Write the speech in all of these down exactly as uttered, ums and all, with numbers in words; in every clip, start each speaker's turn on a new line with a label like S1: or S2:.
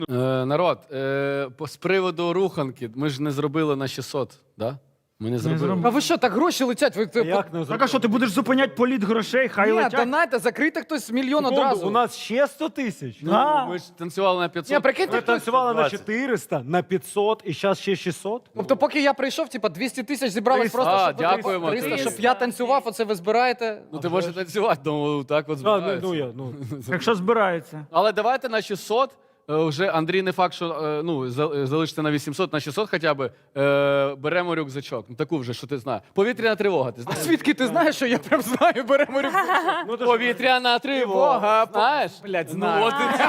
S1: Е, народ, е, по- з приводу руханки, ми ж не зробили на шістсот, да? Ми не зробили.
S2: зробили.
S3: А ви що, так гроші летять? Ви, ви,
S4: Як не
S2: Так а що, ти будеш зупиняти політ грошей, хай
S3: Ні,
S2: летять?
S3: донайте, закрийте хтось мільйон
S4: Секунду,
S3: одразу.
S4: у нас ще сто тисяч.
S1: Ну,
S2: А.
S1: ми ж танцювали на п'ятсот.
S3: Ні, прикиньте,
S4: Ми
S3: хтось...
S4: танцювали на чотириста, на п'ятсот і зараз ще шістсот.
S3: Тобто, поки я прийшов, типа двісті тисяч зібралось
S4: триста.
S3: просто,
S1: А,
S3: щоб
S1: дякуємо,
S3: триста,
S1: триста.
S3: щоб я танцював, оце ви збираєте.
S1: Ну ти можеш танцювати, тому так от
S4: А, ну,
S1: збирається.
S4: ну, я, ну.
S2: Якщо збирається.
S1: Але давайте на шістсот. е, Вже Андрій не факт, що е, ну, за- залишиться на вісімсот, на шістсот хоча б. Е, беремо рюкзачок. Ну, таку вже, що ти знаєш. Повітряна тривога, ти
S3: А
S1: знаєш?
S3: звідки ти знаєш, що я прям знаю, беремо рюкзак?
S4: Ну, то ж-
S1: Повітряна тривога, знаєш?
S3: Блядь,
S1: Ну,
S3: знаю.
S1: от і-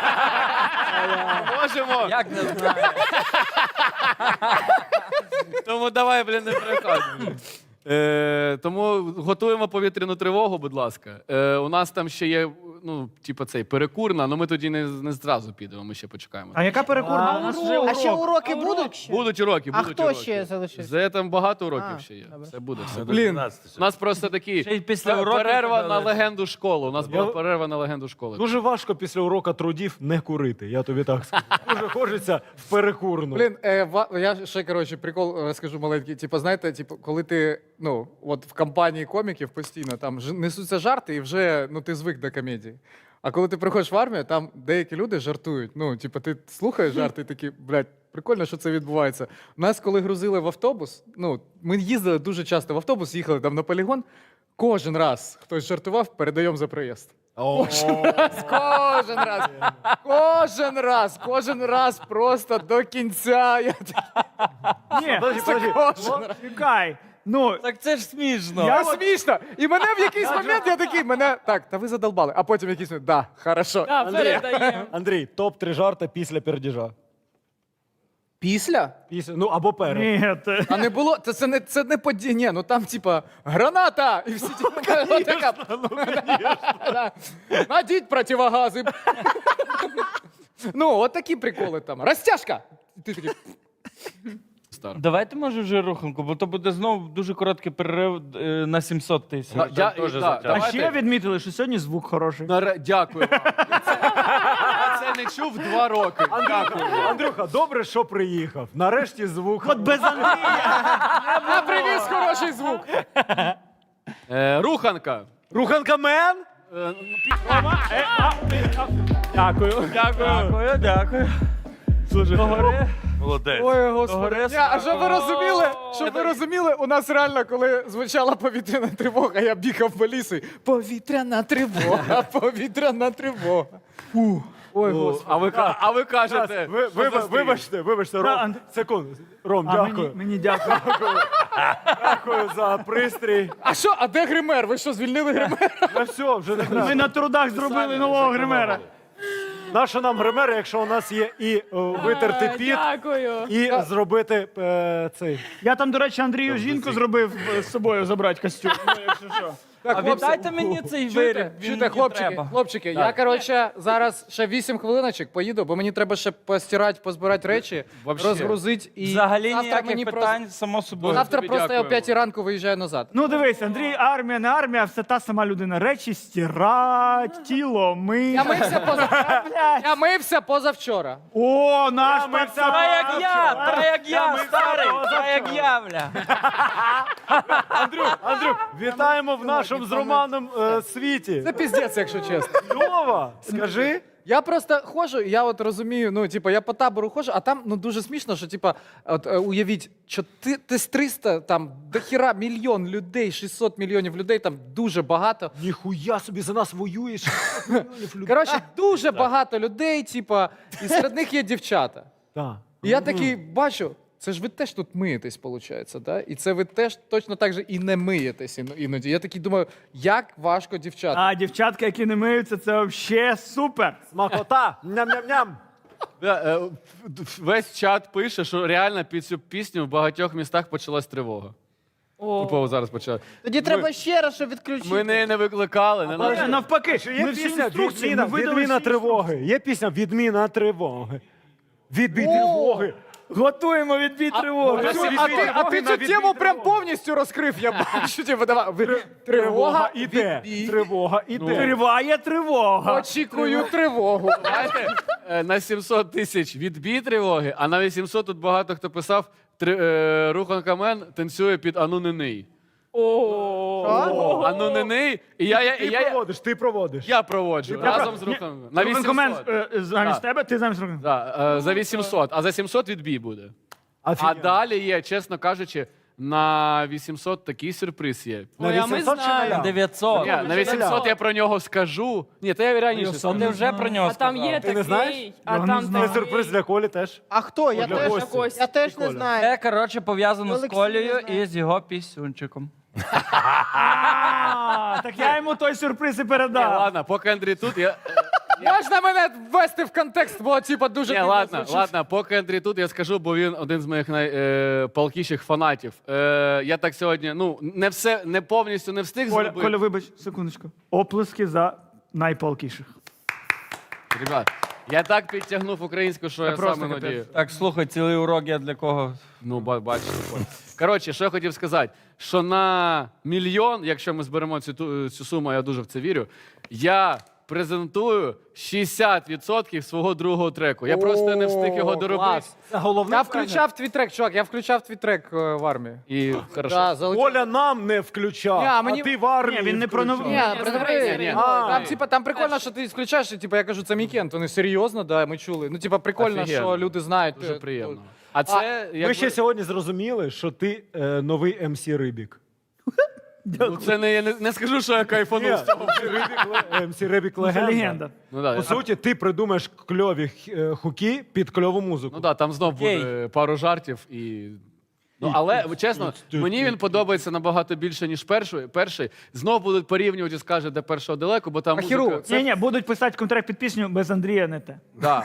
S1: Можемо.
S5: Як не знаю?
S1: Тому давай, блін, не переходь. Е, тому готуємо повітряну тривогу, будь ласка. Е, у нас там ще є, ну, типу, цей перекурна, але ми тоді не, не зразу підемо, ми ще почекаємо.
S2: А яка перекурна? У нас вже
S6: А ще
S2: урок.
S6: уроки будуть?
S1: Будуть уроки,
S6: А
S1: будуть
S6: хто
S1: уроки.
S6: ще залишився?
S1: Це там багато уроків
S6: А,
S1: ще є.
S6: добре.
S1: Все буде, все буде.
S3: Блін,
S1: У нас просто такі
S5: Ще й після
S1: пе-
S5: уроків
S1: перерва на
S5: додали.
S1: легенду школи. У нас була
S4: Я-
S1: перерва на легенду школи.
S4: Дуже важко після урока трудів не курити, я тобі так скажу. Дуже хочеться в перекурну.
S3: Блін, е, ва- я ще, коротше, прикол розкажу маленький. Типу, знаєте, типу, коли ти, ну, от в компанії коміків постійно там ж- несуться жарти, і вже, ну, ти звик до комедії. А коли ти приходиш в армію, там деякі люди жартують. Ну, типу, ти слухаєш жарти і такі, блядь, прикольно, що це відбувається. Нас, коли грузили в автобус, ну, ми їздили дуже часто в автобус, їхали там на полігон, кожен раз хтось жартував, передаємо за проїзд. Кожен раз, кожен раз, кожен раз, кожен раз просто до кінця. Я такий,
S2: Ні,
S4: Подожди, подожди.
S3: кожен раз.
S2: чекай. Ну,
S5: Так це ж смішно.
S3: Я смішно. І мене в якийсь момент я такий, мене так, та ви задолбали. А потім якийсь момент, да, хорошо.
S4: Андрій, Андрій, топ три жарта після пердіжа.
S3: Після?
S4: Після, ну або перед.
S2: ні, ти-
S3: А не було, це, це не це не подія. Ні, ну там, типа, граната! І всі типа, така. Да. Надіть противогази. Ну, от такі приколи там. Розтяжка! І ти такий,
S1: Стар.
S5: Давайте, може, вже руханку, бо то буде знову дуже короткий перерив е, на сімсот тисяч.
S1: Да, я-
S5: Теж
S1: да,
S5: затягнемо.
S2: А
S1: давайте.
S2: ще відмітили, що сьогодні звук хороший.
S1: Наре- Дякую вам. Це- Я це не чув два роки. Дякую.
S4: Андрюха, добре, що приїхав. Нарешті звук.
S2: От без Андрія.
S3: я привіз хороший звук.
S1: Е, руханка.
S4: Руханка мен?
S1: Е,
S2: Дякую.
S5: Дякую, дякую.
S2: Служи.
S5: Догори.
S2: Молодець.
S3: Ой, господи.
S5: Догори.
S3: Ні, а щоб ви розуміли, щоб ви розуміли, у нас реально, коли звучала повітряна тривога, я бігав по лісу. і, Повітряна тривога, повітряна тривога. Ой, господи.
S1: а, ви, ка- а ви кажете,
S4: Ви, ви,
S1: що за стрій?
S4: вибачте, вибачте,
S2: Да,
S4: Ром.
S2: Анд-
S4: Секунду. Ром,
S2: А
S4: дякую.
S2: мені, мені дякую.
S4: Дякую за пристрій.
S3: А що, а де гример? Ви що, звільнили гример?
S4: Ну все, вже не
S2: Ми
S4: треба.
S2: на трудах зробили нового гримера.
S4: Нащо нам гример, якщо у нас є і о, витерти піт,
S6: Дякую.
S4: і зробити е, цей.
S2: Я там, до речі, Андрію жінку зробив е, з собою забрати костюм. Ну, якщо що.
S3: Так,
S5: А віддайте мені цей виріб.
S3: Чуєте,
S5: він
S3: чуєте,
S5: мені
S3: хлопчики,
S5: треба.
S3: хлопчики, я, коротше, зараз ще вісім хвилиночок поїду, бо мені треба ще постирати, позбирати речі,
S1: Вообще.
S3: розгрузити і
S5: Взагалі
S3: завтра
S5: ніяких
S3: мені
S5: питань, само
S3: Просто,
S5: собою.
S3: завтра
S1: Тобі
S3: просто я о
S1: дякуємо.
S3: п'ятій ранку виїжджаю назад.
S2: Ну дивись, Андрій, армія, не армія, все та сама людина. Речі стирать, тіло ми.
S3: Я мився позавчора. Я мився позавчора.
S2: О, наш
S4: ми
S2: пацан.
S5: Та як я, та як я,
S4: ми
S5: старий,
S4: завтра,
S5: та як я, бля.
S4: Андрюх, Андрюх, вітаємо в нашому з Романом е, світі.
S3: Це піздець, якщо чесно.
S4: Льова, скажи.
S3: Я просто ходжу, і я от розумію, ну, типу, я по табору ходжу, а там ну, дуже смішно, що, типу, от, е, уявіть, що ти, ти з триста, там, до хіра мільйон людей, шістсот мільйонів людей, там дуже багато.
S4: Ніхуя собі за нас воюєш. Мільйонів людей.
S3: Коротше, дуже багато людей, типу, і серед них є дівчата.
S4: Так.
S3: І я такий бачу, це ж ви теж тут миєтесь, виходить, да? І це ви теж точно так же і не миєтесь ін- іноді. Я такий думаю, як важко дівчата.
S2: А дівчатка, які не миються, це взагалі супер.
S4: Смакота. Ням-ням-ням.
S1: Да, е, весь чат пише, що реально під цю пісню в багатьох містах почалась тривога. Тупо зараз почала.
S6: Тоді треба ще раз, щоб відключити.
S1: Ми неї не викликали. Не
S2: Ні,
S1: надо.
S2: навпаки,
S4: Є
S2: ми всі
S4: пісня
S2: інструкції,
S4: «Відміна,
S2: ми видали
S4: відміна
S2: всі
S4: тривоги». Є пісня «Відміна тривоги». Відбій тривоги.
S2: Готуємо відбій тривоги.
S3: А, цю- а ти, а ти цю тему прям повністю розкрив, я бачу. Типу, давай. Ви-
S4: Тривога
S3: Тривога
S4: іде.
S3: відбій.
S4: Тривога іде.
S2: Триває тривога.
S3: Очікую тривогу.
S1: Знаєте, е, на сімсот тисяч відбій тривоги, а на вісімсот тут багато хто писав, три, е, Рухан Камен танцює під Ану не ний. Ану не ний. І я, я,
S4: Ти
S1: я, я,
S4: проводиш, ти проводиш.
S1: я проводжу разом з Руханом. На
S2: Комент
S1: вісімсот.
S2: е, замість
S1: Да.
S2: тебе, ти замість руки.
S1: Да, е, за вісімсот, а за сімсот відбій буде. А
S4: Офігенно.
S1: далі є, чесно кажучи, на вісімсот такий сюрприз є.
S4: На
S6: Ой, а ми
S4: вісімсот чи
S6: знаємо.
S4: нуля?
S5: дев'ятсот.
S1: Ні, на вісімсот я про нього скажу. Ні, то я раніше
S5: Ти
S1: скажу.
S5: вже про нього
S6: А там є
S5: сказав.
S4: Ти не знаєш?
S6: такий, а
S2: Я не
S6: там
S2: знаю.
S4: Це сюрприз для Колі теж.
S6: А хто? Я
S4: Для
S6: теж,
S4: Кості.
S6: я теж не
S4: Коля.
S6: знаю.
S5: Це, коротше, пов'язано з
S6: Олексій
S5: Колею
S6: не знає.
S5: і з його пісюнчиком.
S2: А, так я йому той сюрприз і
S1: Ні,
S2: передав.
S1: ладно, поки Андрій тут, я...
S3: Можна мене ввести в контекст, бо типа дуже
S1: Ні,
S3: дивно
S1: ладно,
S3: звучить.
S1: ладно, поки Андрій тут, я скажу, бо він один з моїх найпалкіших фанатів. Е, я так сьогодні, ну, не все, не повністю не встиг
S2: Коля,
S1: зробити.
S2: Коля, вибач, секундочку. Оплески за найпалкіших.
S1: Ребят, я так підтягнув українську, що я
S2: просто
S1: сам
S2: капець.
S1: іноді...
S5: Так, слухай, цілий урок я для кого?
S1: Ну, ба- бачите. Коротше, що я хотів сказати, що на мільйон, якщо ми зберемо цю, ту- цю суму, я дуже в це вірю, я презентую шістдесят відсотків свого другого треку. Я просто не встиг його
S3: О,
S1: доробити.
S3: клас.
S4: Це головне.
S3: Я включав твій трек, чувак, я включав твій трек е, в армії.
S1: І хорошо.
S3: Да, залетів.
S4: Коля нам не включав,
S3: Ні, а
S4: а,
S3: мені-
S4: ти в армії
S2: Ні, він не про
S4: включав.
S2: нову-
S3: Ні,
S6: Ні,
S3: придивись.
S6: смотри,
S1: ні,
S3: Ну,
S1: а.
S3: Там, типа, там прикольно, що ти включаєш, і типа, я кажу, це Мікент, вони серйозно, да, ми чули. Ну, типа, прикольно,
S1: Офігенно.
S3: що люди знають.
S1: Дуже
S3: е,
S1: приємно. А це,
S4: Ми
S1: якби-
S4: ще сьогодні зрозуміли, що ти е, новий ем сі Рибік.
S1: ну, це не, я не, не скажу, що я кайфанув з цього.
S4: ем сі Рибік
S2: Це
S4: легенда.
S2: легенда.
S1: Ну, да,
S4: По суті, ти придумаєш кльові е, хуки під кльову музику.
S1: ну да, там знов
S5: Окей.
S1: буде пару жартів і. Ну, але чесно, мені він подобається набагато більше, ніж перший. перший. Знов будуть порівнювати, скаже, де першого далеко, бо там
S3: Ахіру,
S1: музика...
S2: Ні, ні, будуть писати контракт під пісню без Андрія не те.
S1: Да.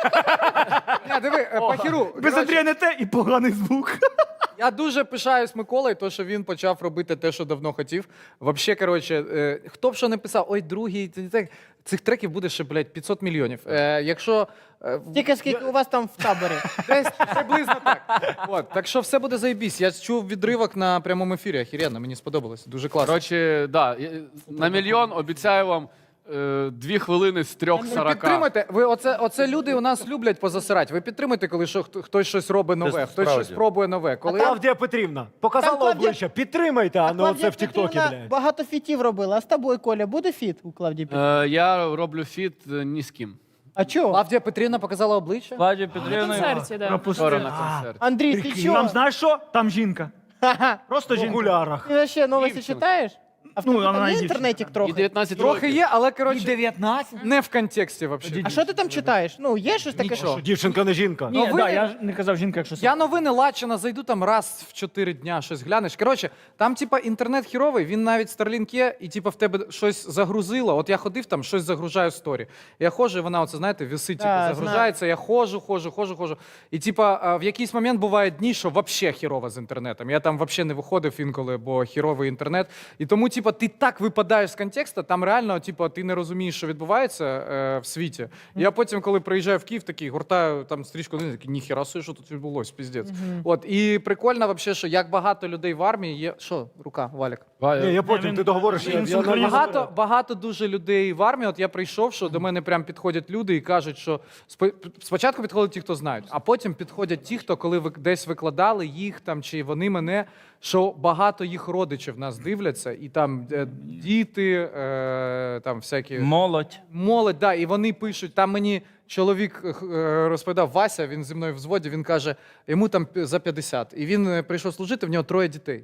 S3: Ні, диви, е, Пахіру,
S2: Без
S3: коротше,
S2: Андрія не те і поганий звук.
S3: я дуже пишаюсь Миколою, то, що він почав робити те, що давно хотів. Вообще, коротше, е, хто б що не писав, ой, другий, це не так. Цих треків буде ще, блядь, п'ятсот мільйонів. Е, якщо е, в-
S6: Тільки скільки у вас там в таборі.
S3: десь приблизно так. От, так що все буде заєбісь. Я чув відривок на прямому ефірі. Охеренно, мені сподобалось. Дуже класно.
S1: Коротше, да, я- на мільйон обіцяю вам е, дві хвилини з трьох
S3: Ви
S1: сорока.
S3: підтримуйте. Ви оце, оце люди у нас люблять позасирати. Ви підтримуйте, коли що, хто- хтось щось робить нове, хтось
S5: справді.
S3: щось пробує нове. Коли
S4: Клавдія Петрівна показала
S6: Там Клавдія-
S4: обличчя, підтримайте, а не
S6: Клавдія
S4: оце в Тіктокі,
S6: Петрівна
S4: блядь.
S6: багато фітів робила. А з тобою, Коля, буде фіт у Клавдії Петрівни?
S1: Е, я роблю фіт е, ні з ким.
S6: А чого?
S3: Клавдія Петрівна показала обличчя.
S5: Владі Петрівна.
S1: Вчора
S2: Пропустили.
S1: на концерт.
S6: Андрій, ти
S2: Там
S6: чого?
S2: знаєш що? Там жінка.
S6: Ха-ха.
S2: Просто
S4: В
S2: жінка.
S4: окулярах.
S6: Ти ще новості читаєш? А в
S2: Ну,
S6: тебе
S2: вона
S6: там є
S2: дівчинка.
S6: інтернетик
S1: І
S6: трохи?
S1: дев'ятнадцять
S3: Трохи
S1: років.
S3: є, але коротше
S2: дев'ятнадцять?
S3: не в контексті взагалі.
S6: А що ти там читаєш? Ну, є щось таке?
S3: Нічого.
S6: що-
S4: Дівчинка не жінка.
S2: Ні,
S3: Новини-
S2: да, я ж не казав жінка, якщо
S3: Я новини Лачина зайду там раз в чотири дня, щось глянеш. Коротше, там, типа, інтернет хіровий, він навіть Starlink є, і типа в тебе щось загрузило. От я ходив там, щось загружаю в сторі. Я ходжу, і вона, оце, знаєте, висить, типу,
S6: Да,
S3: загружається, я ходжу, ходжу, ходжу, ходжу. І типа а, в якийсь момент бувають дні, що взагалі хірово з інтернетом. Я там взагалі не виходив інколи, бо хіровий інтернет. І тому, типа, ти так випадаєш з контексту, там реально, типа, ти не розумієш, що відбувається е, в світі. І я потім, коли приїжджаю в Київ, такий гортаю там стрічку, такий, ніхіра собі, що тут відбулося, піздець. От, і прикольно, вообще, що як багато людей в армії є. Що, рука, Валік?
S4: Ні, я потім,
S2: він-
S4: ти договориш.
S2: він
S4: я- я
S2: синхронізує.
S4: навіть-
S3: Багато, багато дуже людей в армії. От я прийшов, що до мене прям підходять люди і кажуть, що спо- спочатку підходять ті, хто знають, а потім підходять ті, хто коли ви десь викладали їх там, чи вони мене, що багато їх родичів нас дивляться, і там е, діти, е, там всякі
S5: Молодь.
S3: молодь, да, і вони пишуть. Там мені чоловік е, розповідав, Вася, він зі мною в взводі, він каже, йому там пі- за п'ятдесят. І він е, прийшов служити, в нього троє дітей.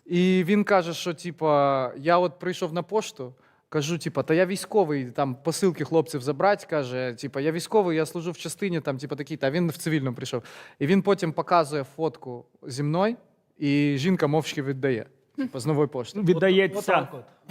S3: І він каже, що типа, я от прийшов на пошту. Кажу, типа, та я військовий, там посилки хлопців забрати, каже, типа, я військовий, я служу в частині, там, типа, такий, та він в цивільному прийшов. І він потім показує фотку зі мною, і жінка мовчки віддає. типу, з нової пошти.
S2: Віддається.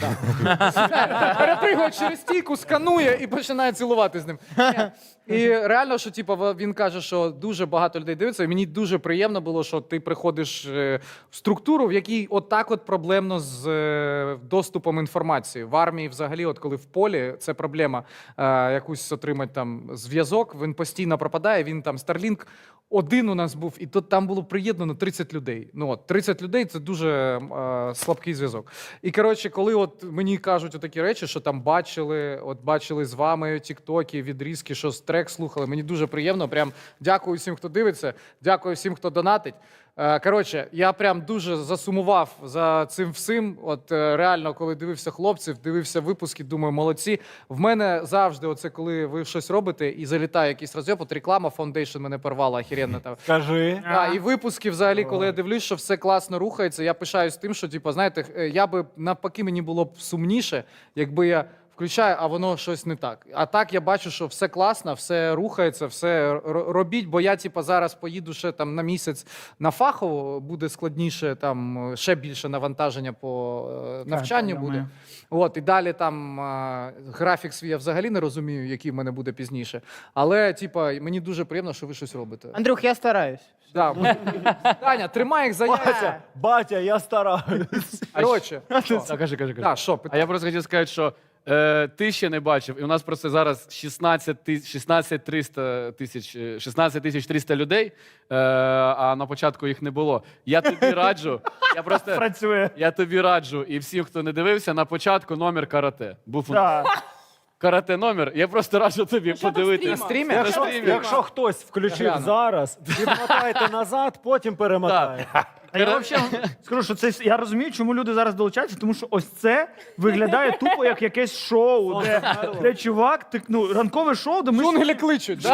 S3: Перепригує через стійку, сканує і починає цілувати з ним. Ні. І реально, що типу, він каже, що дуже багато людей дивиться. І мені дуже приємно було, що ти приходиш е, в структуру, в якій отак от проблемно з е, доступом інформації. В армії, взагалі, от коли в полі, це проблема е, якусь отримати там зв'язок. Він постійно пропадає. Він там Starlink один у нас був, і тут там було приєднано тридцять людей. Ну от тридцять людей це дуже е, слабкий зв'язок. І коротше, коли от мені кажуть отакі речі, що там бачили, от бачили з вами тіктоки, відрізки, що з трек слухали. Мені дуже приємно. Прям дякую всім, хто дивиться, дякую всім, хто донатить. Е, Коротше, я прям дуже засумував за цим всім. От е, реально, коли дивився хлопців, дивився випуски, думаю, молодці. В мене завжди, оце коли ви щось робите і залітає якийсь розйоб, от реклама Foundation мене порвала охеренно там.
S4: Скажи.
S3: А, і випуски взагалі, коли я дивлюсь, що все класно рухається, я пишаюсь тим, що, типу, знаєте, е, я би навпаки мені було б сумніше, якби я включаю, а воно щось не так. А так я бачу, що все класно, все рухається, все р- робіть, бо я, типу, зараз поїду ще там на місяць на фахово, буде складніше, там ще більше навантаження по е, навчанню
S2: я
S3: буде.
S2: думаю.
S3: От, і далі там е, графік свій я взагалі не розумію, який в мене буде пізніше. Але, типу, мені дуже приємно, що ви щось робите.
S6: Андрюх, я стараюсь.
S3: Да. Таня, тримай їх за яйця.
S4: Батя, батя, я стараюсь.
S3: Коротше, що?
S1: Так, кажи, кажи, кажи.
S3: Да, що,
S1: А
S3: питання?
S1: я просто хотів сказати, що е, ти ще не бачив, і у нас просто зараз шістнадцять ти- шістнадцять триста тисяч, е, шістнадцять тисяч триста людей, е, а на початку їх не було. Я тобі раджу, я просто
S2: Працює.
S1: я тобі раджу, і всім, хто не дивився, на початку номер карате. Був у нас
S2: Так.
S1: карате номер. Я просто раджу тобі подивитися.
S3: На стрімі?
S4: Якщо,
S1: стрімі.
S4: якщо хтось включив
S3: Гляну.
S4: зараз, відмотайте назад, потім перемотайте.
S2: А я взагалі скажу, що це я розумію, чому люди зараз долучаються, тому що ось це виглядає тупо як якесь шоу, де, де чувак, ти, ну, ранкове шоу, де ми
S3: Джунгелі кличуть, да?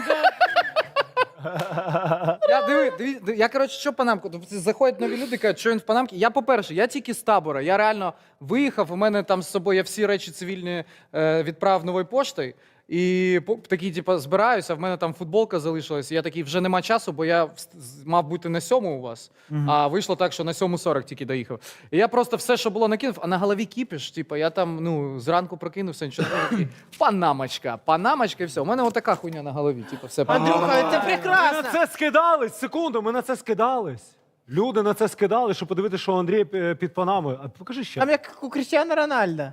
S3: Я диви, диви, диви, я коротше, що панамку? Тобто заходять нові люди, кажуть, що він в панамці. Я, по-перше, я тільки з табора. Я реально виїхав. У мене там з собою я всі речі цивільні е, відправив новою поштою. І по- такий, типу, збираюся, в мене там футболка залишилась. І я такий, вже нема часу, бо я вс- з- мав бути на сьому у вас. А вийшло так, що на сьому сорок тільки доїхав. І я просто все, що було, накинув, а на голові кіпіш. Типу, я там, ну, зранку прокинувся, нічого не такий. Панамочка, панамочка і все. У мене отака хуйня на голові. Типу, все.
S6: Андрюха, це
S4: Ми на
S6: прекрасно.
S4: це скидались, секунду, ми на це скидались. Люди на це скидали, щоб подивитися, що Андрій е, під Панамою. А покажи ще.
S6: Там як у Крістіана Рональда.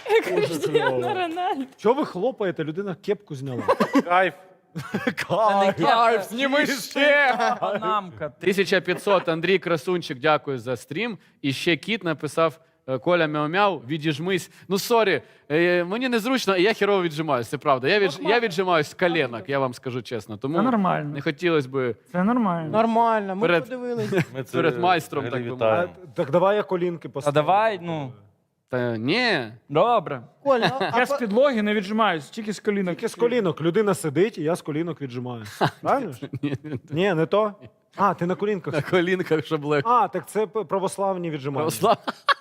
S4: Чого ви хлопаєте? Людина кепку зняла.
S5: Кайф.
S4: Кайф.
S3: Кайф, зніми ще!
S5: Панамка.
S1: тисяча п'ятсот, Андрій Красунчик, дякую за стрім. І ще кіт написав: е, Коля мяу-мяу, відіжмись. Ну, сорі, е, мені незручно, і я херово віджимаюсь, це правда. Я, від, я віджимаюсь з коленок, я вам скажу чесно. Тому
S2: Це нормально.
S1: не хотілося би
S2: Це нормально.
S6: Нормально, ми
S1: Перед-
S6: подивились.
S5: Ми це
S1: перед майстром, так би
S5: вітаємо.
S1: мовити.
S4: А, так давай я колінки
S5: А
S4: поставлю.
S5: давай, ну,
S1: Та ні.
S5: добре.
S6: Коль, ну, а
S2: Я
S6: по-
S2: з підлоги не віджимаюсь, тільки з колінок.
S4: Тільки з колінок. Людина сидить, і я з колінок віджимаю. Правильно ж?
S1: Ні,
S4: Ні, не то. А, ти на колінках.
S1: на колінках, щоб легко.
S4: А, так це п- православні віджимання.
S1: Православ.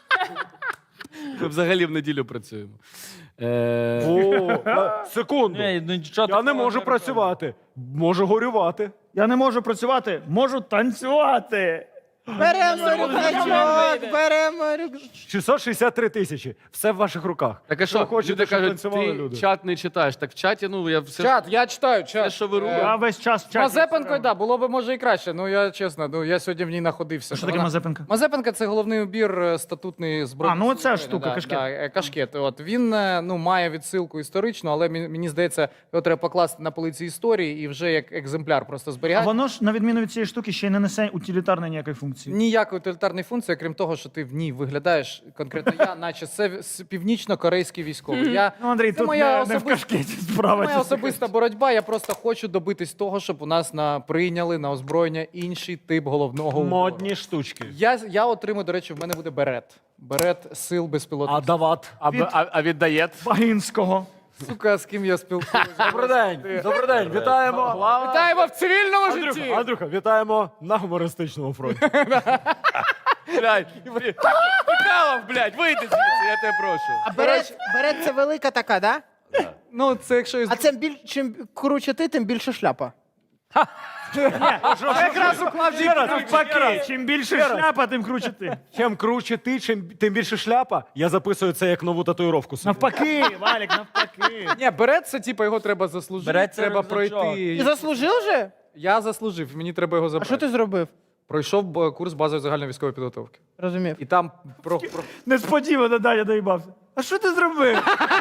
S1: Ми взагалі в неділю працюємо. Е,
S4: О, а, секунду.
S5: Ні, ну, нічого
S4: Я не
S5: такого
S4: можу працювати. Можу горювати.
S2: Я не можу працювати, можу танцювати.
S6: беремо рюкзачок, беремо рюкзачок.
S4: шістсот шістдесят три тисячі. Все в ваших руках.
S1: Так а
S4: Що
S1: що,
S4: хочете,
S1: люди
S4: щоб
S1: кажуть,
S4: танцювали
S1: ти
S4: люди?
S1: чат не читаєш. Так в чаті, ну, я все,
S3: Чат, я читаю, чат.
S1: все що ви робите.
S2: Я весь час в
S3: З
S2: чаті.
S3: Мазепенкою, да, було б може і краще. Ну я чесно, ну я сьогодні в ній знаходився.
S2: Що таке
S3: Вона-
S2: Мазепенка?
S3: Мазепенка це головний убір е, статутний збройний.
S2: А, ну оця штука,
S3: да,
S2: кашкет.
S3: Да, е, кашкет. От він е, ну має відсилку історичну, але мені, мені здається, його треба покласти на полиці історії і вже як екземпляр просто
S2: А
S3: зберігати.
S2: воно ж, на відміну від цієї штуки, ще й не несе утилітарної ніякої функції.
S3: Ніякої утилітарної функції, крім того, що ти в ній виглядаєш конкретно я, наче це с- північно-корейський військовий. Я,
S2: Ну, Андрій,
S3: це
S2: тут
S3: моя
S2: не, не в
S3: особиста-
S2: кашкеті
S3: це
S2: справа.
S3: моя
S2: чесно
S3: особиста боротьба. Я просто хочу добитись того, щоб у нас на прийняли на озброєння інший тип головного убору.
S4: Модні штучки.
S3: Я, я отримую, до речі, в мене буде берет. Берет сил безпілотних.
S4: А дават.
S1: А, б- а, а віддає?
S2: Багінського.
S3: Сука, з ким я спілкуюся.
S4: Добрий день. Добрий день. Вітаємо.
S3: Вітаємо в цивільному
S4: Андрюха,
S3: житті!
S4: Андрюха, вітаємо на гумористичному фронті.
S1: Блядь, Михайлов, блядь, вийди звідси, я тебе прошу.
S6: А берет, берет це велика така, да?
S3: Ну, це якщо із...
S6: А це біль, чим круче ти, тим більше шляпа.
S2: Якраз уклав навпаки. Чим більше шляпа, тим круче ти.
S4: Чим круче ти, чим тим більше шляпа, я записую це як нову татуїровку собі.
S2: Навпаки, Валік, навпаки.
S3: Ні, берет це, типу, його треба заслужити,
S5: Берет це
S3: треба
S5: рюкзачок.
S3: пройти.
S6: Ти заслужив вже?
S3: Я заслужив, мені треба його
S6: А
S3: забрати.
S6: що ти зробив?
S3: Пройшов б- курс базової загальної військової підготовки.
S6: Розумів.
S3: І там про, про...
S2: Несподівано Даня доїбався. А що ти зробив?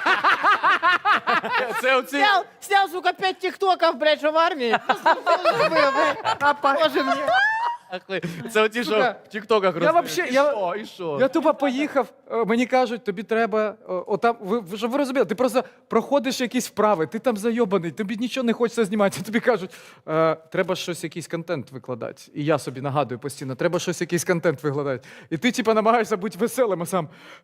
S1: Це оці...
S6: Снял, снял, сука, пять тиктоков, блядь, що в армії. Зробив, блядь. А похоже мені.
S1: Це оті, що
S3: Сука,
S1: в тіктоках
S3: я
S1: роздають.
S3: вообще-
S1: І
S3: я-
S1: що, і що?
S3: Я тупо поїхав, е, мені кажуть, тобі треба, е, отам, ви, ви- щоб ви розуміли, ти просто проходиш якісь вправи, ти там зайобаний, тобі нічого не хочеться знімати, тобі кажуть, е, треба щось, якийсь контент викладати. І я собі нагадую постійно, треба щось, якийсь контент викладати. І ти, типу, намагаєшся бути веселим, а сам.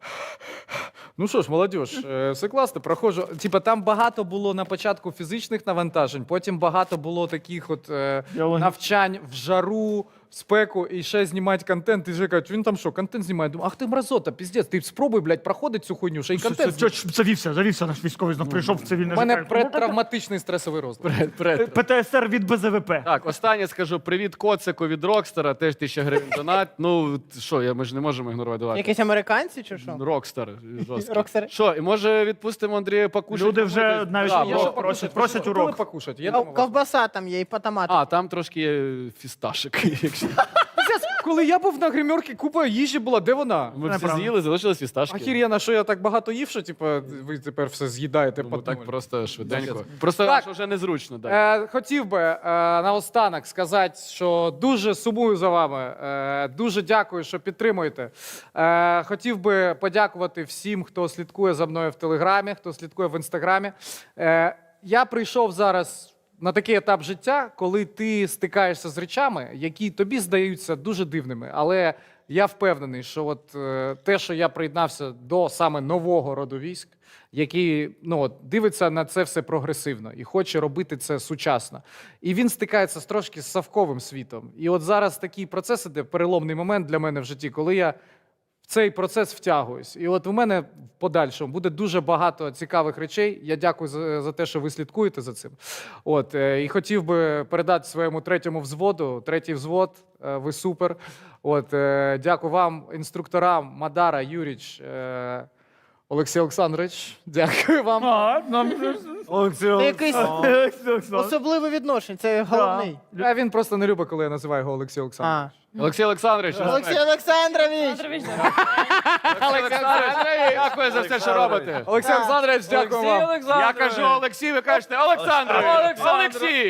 S3: Ну що ж, молодіж, е, все класно, проходжу. Типа там багато було на початку фізичних навантажень, потім багато було таких от е,
S2: Біологічних.
S3: навчань в жару, в спеку, і ще знімати контент. І вже кажуть, він там що, контент знімає? Думаю, ах ти мразота, піздець, ти спробуй, блядь, проходить цю хуйню, ще й контент.
S2: Це- це- Завівся, завівся наш військовий, знов прийшов в цивільне
S3: У мене
S2: життя.
S3: предтравматичний стресовий розлад.
S1: Пред.
S2: ПТСР від Б З В П.
S1: Так, останнє скажу. Привіт Коцику від Рокстара, теж тисяча гривень донат. Ну, що, я, ми ж не можемо ігнорувати. Давай.
S6: Якісь американці чи що?
S1: Рокстар. жорсткий.
S6: Рокстар.
S1: Що, і може відпустимо Андрія покушати?
S2: Люди вже
S1: Помитись?
S2: навіть
S1: Да,
S2: є,
S1: бо-
S2: що просять, просять
S3: Хотіли
S2: урок.
S3: покушати. Я
S6: Ков-
S3: думав,
S6: Ковбаса там є і по томату.
S1: А, там трошки є фісташик. Якщо...
S3: Пиздець, коли я був на гримерці, купа їжі була, де вона?
S1: Ми всі
S2: Неправда.
S1: з'їли, залишились фісташки.
S3: Ахір'яна, що я так багато їв, що типу, ви тепер все з'їдаєте
S1: Ну,
S3: по
S1: так просто швиденько. Просто
S3: Так.
S1: що вже незручно. Так.
S3: Е, хотів би е, наостанок сказати, що дуже сумую за вами. Е, дуже дякую, що підтримуєте. Е, хотів би подякувати всім, хто слідкує за мною в Телеграмі, хто слідкує в Інстаграмі. Е, я прийшов зараз на такий етап життя, коли ти стикаєшся з речами, які тобі здаються дуже дивними. Але я впевнений, що от е, те, що я приєднався до саме нового роду військ, який ну, от, дивиться на це все прогресивно і хоче робити це сучасно. І він стикається з трошки з совковим світом. І от зараз такий процес іде, переломний момент для мене в житті, коли я в цей процес втягуюсь. І от у мене в подальшому буде дуже багато цікавих речей. Я дякую за, за те, що ви слідкуєте за цим. От, е, і хотів би передати своєму третьому взводу, третій взвод, е, ви супер. От, е, дякую вам, інструкторам Мадара, Юріч, е, Олексій Олександрович. Дякую вам.
S2: А, нам вже-
S4: Олексій,
S6: Це якийсь
S2: Особливо.
S6: особливе відношення, це головний.
S3: А він просто не любить, коли я називаю його Олексій Олександрович.
S6: А.
S1: Олексій Олександрович,
S6: Олексій Олександрович!
S1: Олексій Олександрович, дякую за все, що робите.
S3: Олексій Олександрович, дякую вам.
S1: Я кажу Олексій, ви кажете Олександрович. Олексій. Олексій.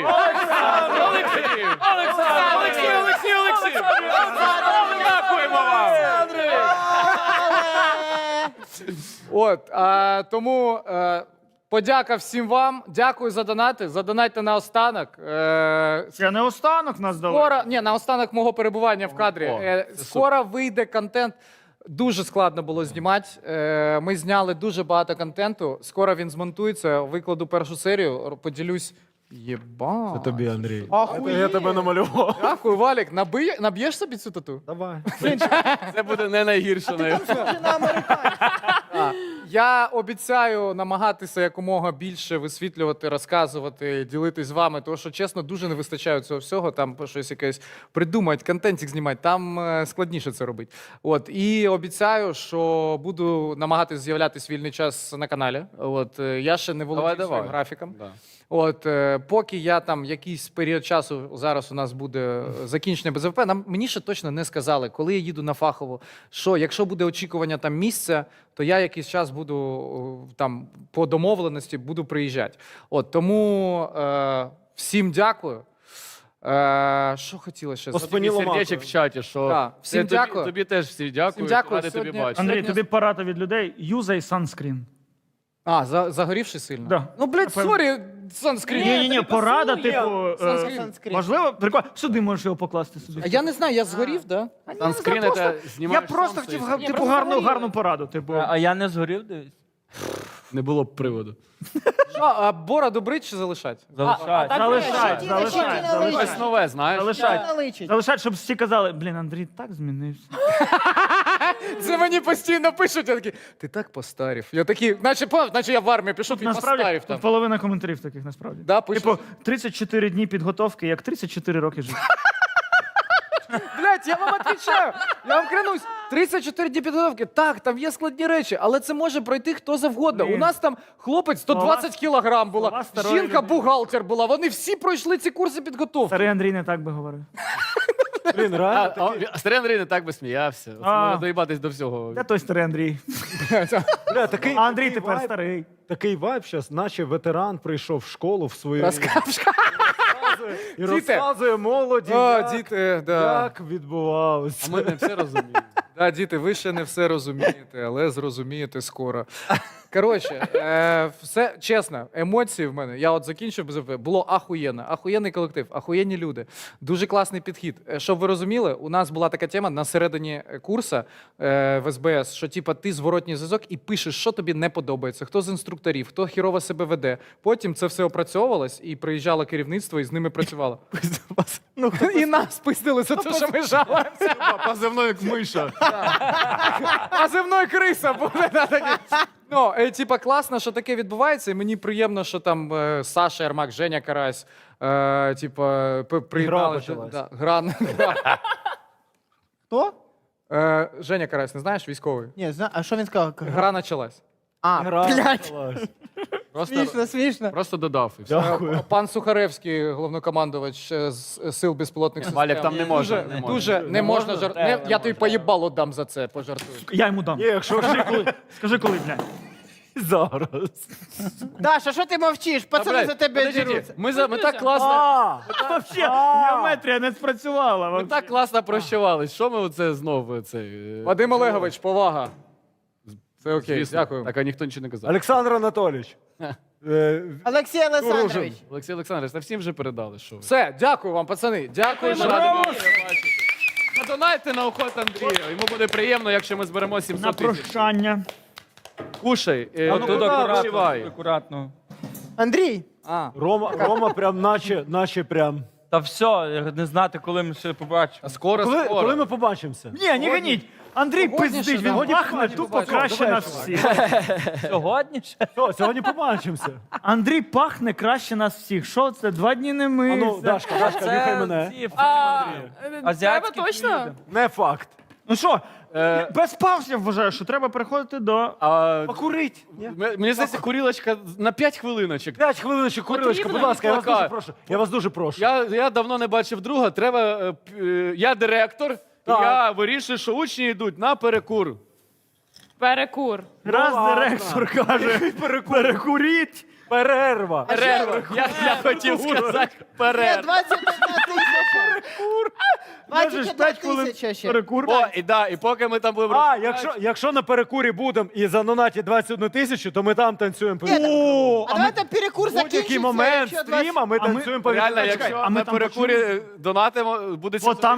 S1: Олексій. Олексій, Олексій, Олексій. Дякуємо вам.
S3: От, а, тому е, подяка всім вам. Дякую за донати. Задонатьте на останок. Е,
S2: Це не останок нас дали.
S3: скоро, ні, на останок мого перебування в кадрі.
S1: О,
S3: Е,
S1: це
S3: скоро вийде контент. Дуже складно було знімати. Е, ми зняли дуже багато контенту. Скоро він змонтується. Викладу першу серію, поділюсь. Єба.
S4: Це тобі, Андрій.
S6: Ахуєть.
S4: Я тебе намалював.
S3: Дякую, Валік. Наби... Наб'єш собі цю тату?
S4: Давай.
S1: Це буде не найгірше. на-
S6: Схоже на американця.
S3: Я обіцяю намагатися якомога більше висвітлювати, розказувати, ділитись з вами, тому що, чесно, дуже не вистачає цього всього. Там щось якесь придумати, контентик знімати, там е, складніше це робити. От, і обіцяю, що буду намагатися з'являтися вільний час на каналі. От, е, я ще не володію
S1: Давай,
S3: своїм
S1: давай.
S3: графіком.
S1: Да.
S3: От, е, поки я там якийсь період часу, зараз у нас буде закінчення Б З В П, нам, мені ще точно не сказали, коли я їду на фахово, що якщо буде очікування там місця, то я якийсь час буду о, там по домовленості буду приїжджати. От, тому е, всім дякую. Е, що хотіла ще
S4: По
S3: сказати?
S4: спині
S1: Тобі
S4: ломакою.
S1: сердечок в чаті, що
S3: Так, всім
S1: Це тобі-
S3: дякую.
S1: Тобі теж всі дякую.
S3: Всім дякую.
S1: Ради тобі
S3: Сьогодні-
S1: бачити.
S2: Андрій,
S3: Сьогодні-
S2: тобі порада від людей. Юзай санскрін.
S3: А, за, загорівши сильно?
S2: Да.
S3: Ну, блядь,
S2: Напевно.
S3: сорі, санскрін.
S2: Ні, ні, ні, порада, типу, е,
S6: Санскрін.
S2: важливо, прикольно. Сюди можеш його покласти собі.
S3: А я не знаю, я згорів, да?
S1: Санскрін
S2: просто-
S1: це
S2: Я
S1: знімаєш
S2: просто
S1: сонце
S2: хотів,
S1: і-
S2: га- типу, гарну, гарну пораду. Типу,
S5: А я не згорів десь?
S1: Не було б приводу.
S3: Що, а бороду брить чи залишать?
S5: Залишай.
S2: Залишай,
S6: Ні,
S2: залишай,
S6: ні,
S2: залишай.
S1: Щось нове, знаєш.
S2: Залишай.
S6: Наличить.
S2: Залишай, щоб всі казали, блін, Андрій так змінився.
S3: Це мені постійно пишуть, я такий, ти так постарів. Я такий, наче, пам'ятаєш, наче я в армію пішов, і
S2: Насправді,
S3: постарів
S2: тут
S3: там.
S2: половина коментарів таких, насправді.
S3: Да, пишуть.
S2: Типу, тридцять чотири дні підготовки, як тридцять чотири роки життя.
S3: Блять, я вам відповідаю, я вам клянусь, тридцять чотири дні підготовки, так, там є складні речі, але це може пройти хто завгодно.
S2: Блін.
S3: У нас там хлопець сто двадцять кілограм була,
S2: слова старої
S3: жінка
S2: людини.
S3: бухгалтер була, вони всі пройшли ці курси підготовки.
S2: Старий Андрій не так би говорив.
S4: Блін,
S1: А,
S4: реально.
S1: а, а Старий Андрій не так би сміявся. Це
S2: А.
S1: можна доїбатись до всього.
S2: Де той старий Андрій?
S4: Бля, такий,
S2: А Андрій
S4: такий
S2: тепер
S4: вайб-
S2: старий.
S4: Такий вайб зараз, наче ветеран прийшов в школу в свою
S3: Розкажеш.
S4: і
S3: Діти.
S4: розказує молоді,
S3: О,
S4: як,
S3: діти, да.
S4: як відбувалося.
S1: А ми не все розуміємо.
S3: Да, діти, ви ще не все розумієте, але зрозумієте скоро. Коротше, е, все чесно, емоції в мене. Я от закінчив без було ахуєнно. Ахуєнний колектив, ахуєнні люди. Дуже класний підхід. Е, Щоб ви розуміли, у нас була така тема на середині курсу е, в ес бе ес, що типа ти зворотній зв'язок і пишеш, що тобі не подобається, хто з інструкторів, хто хірово себе веде. Потім це все опрацьовувалось і приїжджало керівництво і з ними працювало. Ну, і нас пиздили за те, що ми жалуємося.
S1: Позивною як миша.
S3: А земної криса буде на такі. Ну, е, типа, класно, що таке відбувається, і мені приємно, що там е, Саша Ярмак, Женя Карась, е, типа, п- приєднали.
S4: почалась.
S3: Да, гра, гра.
S6: Хто?
S3: Е, Женя Карась, не знаєш, військовий?
S6: Ні, зна... а що він сказав?
S3: Гра почалась.
S6: А, блядь,
S1: Просто,
S6: смішно, смішно.
S1: просто додав і все.
S3: Е, Пан Сухаревський, головнокомандувач е, з е, сил безпілотних систем.
S1: Валік, там не можна,
S3: Дуже,
S1: не можна.
S3: дуже не можна жар...
S5: Де
S3: не,
S5: не
S3: Я тобі поїбало дам за це, пожартую.
S2: Я йому дам.
S4: Ні, якщо
S2: Скажи коли, скажи коли, блядь.
S4: зараз.
S6: Даша, що ти мовчиш? Пацани
S1: Блядь,
S6: за тебе
S1: подождіть,
S6: діруться.
S1: Ми, за, ми так класно,
S4: А,
S2: Вообще, геометрія не спрацювала.
S1: ми
S2: вообще.
S1: так класно прощавались. Що ми оце знову цей.
S3: Вадим Олегович, повага. Це окей,
S1: Звісно.
S3: дякую.
S1: Так, а ніхто нічого не казав.
S4: Олександр Анатолійович. е,
S6: Олексій Олександрович.
S1: Олексій Олександрович, та всім вже передали, що ви.
S3: Все, дякую вам, пацани. Дякую.
S1: Дуже
S3: що-
S1: радий вас бачити. Задонайте на охот Андрія. Йому буде приємно, якщо ми зберемо
S2: На
S1: сімсот тисяч.
S2: прощання.
S1: Кушай, е,
S5: А
S1: ну,
S5: тут
S1: вишивай.
S5: акуратно, акуратно.
S6: Андрій,
S3: А,
S4: Рома, Рома прям наче, наче прям.
S5: Та все, не знати, коли ми ще побачимо.
S1: А скоро,
S4: Коли,
S1: скоро.
S4: коли ми побачимося?
S2: Ні, не ганіть. Андрій
S3: Сьогодні
S2: пиздить,
S3: ще,
S2: він
S3: да.
S2: пахне
S3: Сьогодні
S2: тупо
S3: побачимо.
S2: краще
S4: Давай,
S2: нас
S4: чувак.
S2: всіх.
S5: Сьогодні ще?
S4: Все, сьогодні побачимося.
S2: Андрій пахне краще нас всіх. Що це? Два дні не
S4: А ну,
S2: мився.
S4: Дашка, Дашка, нюхай мене.
S5: ці
S7: А,
S5: азіатські
S7: треба точно?
S5: люди.
S4: Не факт.
S2: Ну що,
S1: Е,
S2: без пауз я вважаю, що треба переходити до...
S1: А,
S4: Покурить. Ні?
S1: м- мені здається, курілочка на п'ять хвилиночок.
S4: П'ять хвилиночок, курилочка, будь
S1: Потрібно
S4: ласка, я вас
S1: плакат.
S4: дуже прошу. Я вас дуже прошу.
S1: Я, я давно не бачив друга. Треба. е, п- е, Я директор, і
S4: Так.
S1: я вирішую, що учні йдуть на перекур.
S7: Перекур.
S2: Раз
S4: ладно.
S2: директор каже, перекуріть.
S4: Перерва.
S1: Перерва. Я, я хотів сказати
S6: є
S1: перерва.
S6: двадцять одна тисяча.
S2: Можеш
S6: двадцять одна
S2: п'ять хвилин
S6: тисяча ще.
S2: перекур.
S1: О, і да, і поки ми там будемо
S4: А,
S1: розмовляти-
S4: якщо, якщо на перекурі будемо і занонатять двадцять одну тисячу, то ми там танцюємо. по-
S2: О,
S6: А давайте перекур
S4: В будь-який
S6: закінчиться.
S4: момент
S6: якщо двадцять-
S4: стріма ми
S2: А ми-
S4: танцюємо по
S1: Реально,
S4: вікну.
S1: якщо
S2: а ми
S1: на
S2: там
S1: перекурі донатимо, буде
S2: От там